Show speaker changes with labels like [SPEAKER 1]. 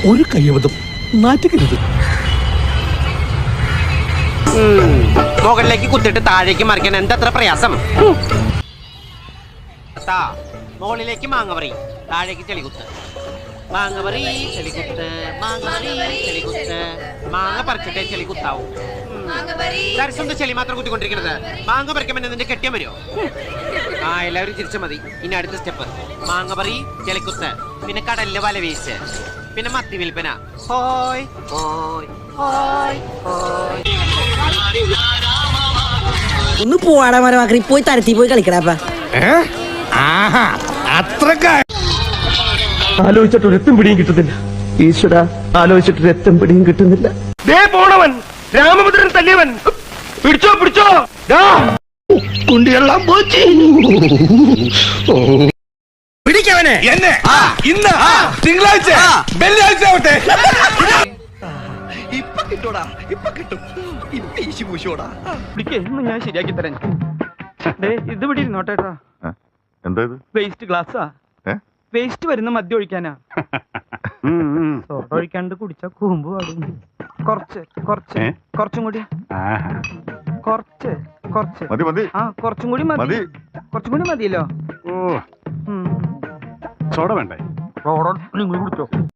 [SPEAKER 1] ഒരു കയ്യബദ്ധം നാറ്റിക്കരുത്.
[SPEAKER 2] മുകളിലേക്ക് കുത്തിട്ട് താഴേക്ക് മറിക്കാൻ എന്തത്ര പ്രയാസം? മുകളിലേക്ക് മാങ്ങപറി, താഴേക്ക് ചെളികുത്ത്. മാങ്ങപറി ചെളികുത്ത്, മാങ്ങപറി ചെളികുത്ത്. മാങ്ങ പറിച്ചിട്ടേ ചെളികുത്താവൂ. ദർശനം ചെളി മാത്രം കുത്തിക്കൊണ്ടിരിക്കുന്നത്. മാങ്ങ പറിക്കുമ്പോൾ നിന്റെ കെട്ടിയാൻ വരുമോ? ആ, എല്ലാവരും ചിരിച്ച മതി. ഇനി അടുത്ത സ്റ്റെപ്പ് മാങ്ങപറി ചെളികുത്ത്, പിന്നെ കടലിലെ വല വീശ്, പിന്നെ മത്തി വിൽപ്പന. ഹോയ് ഹോയ് ഹോയ് ഹോയ്.
[SPEAKER 3] ഒന്ന് പോവാടാ മരമാക്കി, പോയി തരത്തി പോയി കളിക്കടാ.
[SPEAKER 4] ആലോചിച്ചിട്ട് ഒരെത്തും പിടിയും കിട്ടുന്നില്ല. ഈശ്വര, ആലോചിച്ചിട്ട് ഒരെത്തും പിടിയും കിട്ടുന്നില്ല. ദേ പോണവൻ, രാമഭദ്രൻ തല്ലിയവൻ. പിടിച്ചോ പിടിച്ചോ, കുണ്ടിയെല്ലാം പോച്ചി. പിടിക്കവനെ എന്നെ ഇന്ന് തിങ്കളാഴ്ച വെള്ളിയാഴ്ച ആവട്ടെ. ഇപ്പൊ കിട്ടോടാ, ഇപ്പൊ കിട്ടും. ഇപ്പൊ ഈശി പൂശോടാ.
[SPEAKER 5] ഇന്ന് ഞാൻ ശരിയാക്കി തരാൻ. ഇത് ഇവിടെ ഇരുന്നോട്ടേട്ടാ.
[SPEAKER 6] എന്താ ഇത്?
[SPEAKER 5] വേസ്റ്റ് ഗ്ലാസ്സാ. വേസ്റ്റ് വരുന്ന മദ്യം ഒഴിക്കാനാ. സോഡ ഒഴിക്കാണ്ട് കുടിച്ചാ കൂമ്പ് പാടും. കുറച്ചും കൂടി. കുറച്ച്
[SPEAKER 6] മതി മതി.
[SPEAKER 5] ആ, കുറച്ചും കൂടി മതി. കുറച്ചും കൂടി മതിയല്ലോ.
[SPEAKER 6] സോഡ വേണ്ടേ?
[SPEAKER 5] നിങ്ങൾ കുടിച്ചോ.